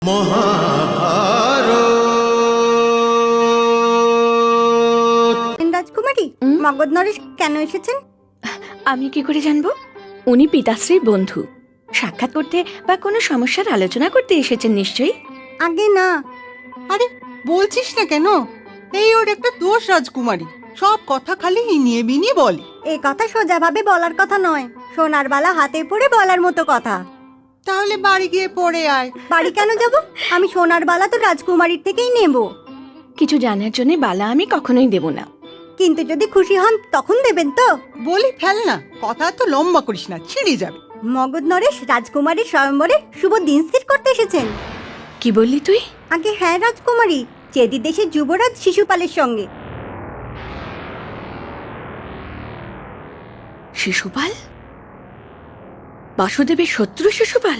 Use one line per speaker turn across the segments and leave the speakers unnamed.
রাজকুমারী, মগধ নরেশ কেন এসেছেন?
আমি কি করে জানবো? উনি পিতাশ্রীর বন্ধু, সাক্ষাৎ করতে বা কোনো সমস্যার আলোচনা করতে এসেছেন নিশ্চয়ই।
আগে না।
আরে বলছিস না কেন? এই ওর একটা দোষ রাজকুমারী, সব কথা খালি ইনিয়ে বিনিয়ে বলে।
এই কথা সোজাভাবে বলার কথা নয়, সোনার বালা হাতে পড়ে বলার মতো কথা।
তাহলে বাড়ি গিয়ে পড়ে আয়।
বাড়ি কেন যাব? আমি সোনার বালা তো রাজকুমারীর থেকেই নেব।
কিছু জানার জন্য বালা আমি কখনোই দেব না।
কিন্তু যদি খুশি হন তখন দেবেন তো?
বলি ফেল না, কথা তো লম্বা করিস না, ছিঁড়ে যাবে।
মগধ নরেশ রাজকুমারীর স্বয়ম্বরে শুভ দিন স্থির করতে এসেছেন।
কি বললি তুই?
আগে হ্যাঁ রাজকুমারী, চেদি দেশের যুবরাজ শিশুপালের সঙ্গে।
শিশুপাল? বাসুদেবের শত্রু শিশুপাল?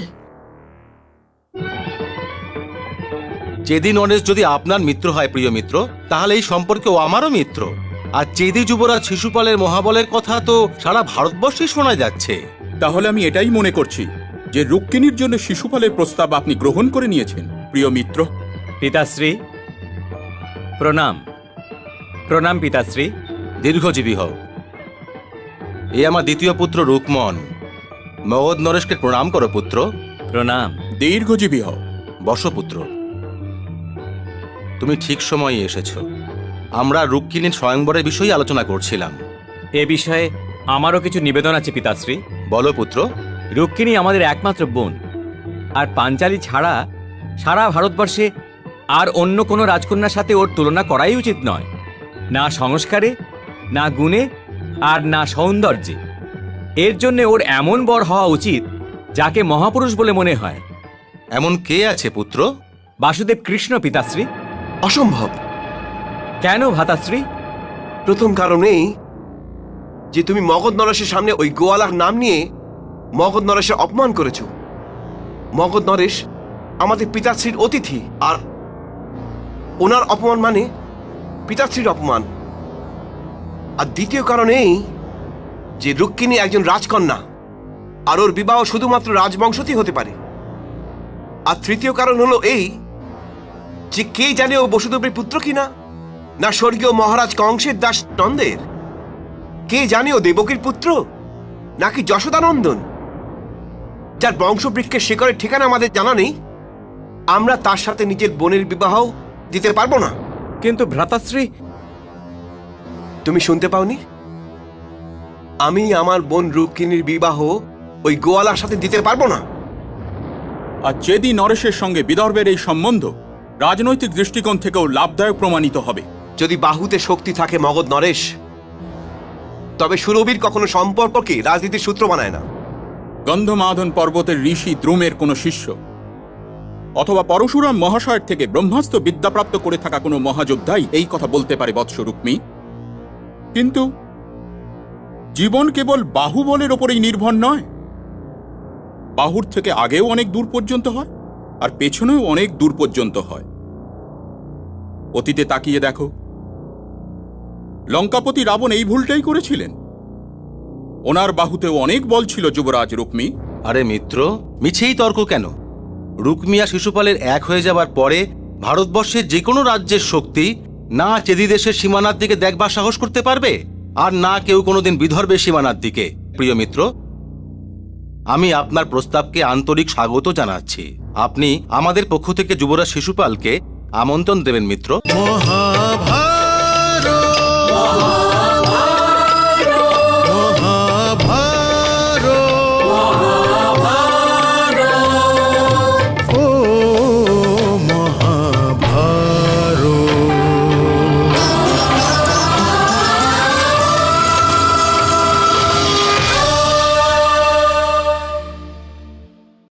চেদি নরেশ যদি আপনার মিত্র হয় প্রিয় মিত্র, তাহলে এই সম্পর্কে ও আমারও মিত্র। আর চেদি যুবরাজ শিশুপালের মহাবলের কথা তো সারা ভারতবর্ষে শোনা যাচ্ছে।
তাহলে আমি এটাই মনে করছি যে রুক্মিণীর জন্য শিশুপালের প্রস্তাব আপনি গ্রহণ করে নিয়েছেন প্রিয় মিত্র।
পিতাশ্রী প্রণাম। প্রণাম পিতাশ্রী।
দীর্ঘজীবী হও। এ আমার দ্বিতীয় পুত্র রুকমন। মগধ নরেশকে প্রণাম করো পুত্র।
প্রণাম।
দীর্ঘজীবী হও।
বর্ষপুত্র, তুমি ঠিক সময়ে এসেছ। আমরা রুক্মিণীর স্বয়ংবরের বিষয়ে আলোচনা করছিলাম।
এ বিষয়ে আমারও কিছু নিবেদন আছে পিতাশ্রী।
বলো পুত্র।
রুক্মিণী আমাদের একমাত্র বোন, আর পাঞ্চালী ছাড়া সারা ভারতবর্ষে আর অন্য কোনো রাজকন্যার সাথে ওর তুলনা করাই উচিত নয়, না সংস্কারে, না গুণে, আর না সৌন্দর্যে। এর জন্য ওর এমন বর হওয়া উচিত যাকে মহাপুরুষ বলে মনে হয়।
এমন কে আছে পুত্র?
বাসুদেব কৃষ্ণ পিতাশ্রী।
অসম্ভব।
কেন ভ্রাতাশ্রী?
প্রথম কারণ এই যে তুমি মগধ নরেশের সামনে ওই গোয়ালার নাম নিয়ে মগধ নরেশের অপমান করেছো। মগধ নরেশ আমাদের পিতাশ্রীর অতিথি, আর ওনার অপমান মানে পিতাশ্রীর অপমান। আর দ্বিতীয় কারণ এই যে রুক্মিণী একজন রাজকন্যা, আর ওর বিবাহ শুধুমাত্র রাজবংশতেই হতে পারে। আর তৃতীয় কারণ হলো এই যে কে জানে ও বসুদেবের পুত্র কিনা, না স্বর্গীয় মহারাজ কংসের দাস নন্দের। কে জানে ও দেবকীর পুত্র নাকি যশোদানন্দন, যার বংশবৃক্ষের শিকড়ের ঠিকানা আমাদের জানা নেই। আমরা তার সাথে নিজের বোনের বিবাহ দিতে পারবো না।
কিন্তু ভ্রাতাশ্রী,
তুমি শুনতে পাওনি? আমি আমার বোন রুক্মিণীর বিবাহ ওই গোয়ালার সাথে দিতে পারবো না।
আর চেদি নরেশের সঙ্গে বিদর্ভের এই সম্বন্ধ রাজনৈতিক দৃষ্টিকোণ থেকেও লাভদায়ক প্রমাণিত হবে।
যদি বাহুতে শক্তি থাকে মগধ নরেশ, তবে সুরবীর কখনো সম্পর্ককে রাজনীতির সূত্র বানায় না।
গন্ধমাদন পর্বতের ঋষি দ্রুমের কোনো শিষ্য অথবা পরশুরাম মহাশয়ের থেকে ব্রহ্মাস্ত্র বিদ্যাপ্রাপ্ত করে থাকা কোনো মহাযোদ্ধাই এই কথা বলতে পারে বৎস রুক্মী। কিন্তু জীবন কেবল বাহুবলের ওপরেই নির্ভর নয়। বাহুর থেকে আগেও অনেক দূর পর্যন্ত হয়, আর পেছনেও অনেক দূর পর্যন্ত হয়। অতীতে তাকিয়ে দেখো, লঙ্কাপতি রাবণ এই ভুলটাই করেছিলেন। ওনার বাহুতেও অনেক বল ছিল যুবরাজ রুক্মী।
আরে মিত্র, মিছেই তর্ক কেন? রুক্মী আর শিশুপালের এক হয়ে যাবার পরে ভারতবর্ষের যে কোনো রাজ্যের শক্তি না চেদি দেশের সীমানার দিকে দেখবার সাহস করতে পারবে, আর না কেউ কোনোদিন বিদর্ভের সীমানার দিকে। প্রিয় মিত্র, আমি আপনার প্রস্তাবকে আন্তরিক স্বাগত জানাচ্ছি। আপনি আমাদের পক্ষ থেকে যুবরাজ শিশুপালকে আমন্ত্রণ দেবেন মিত্র।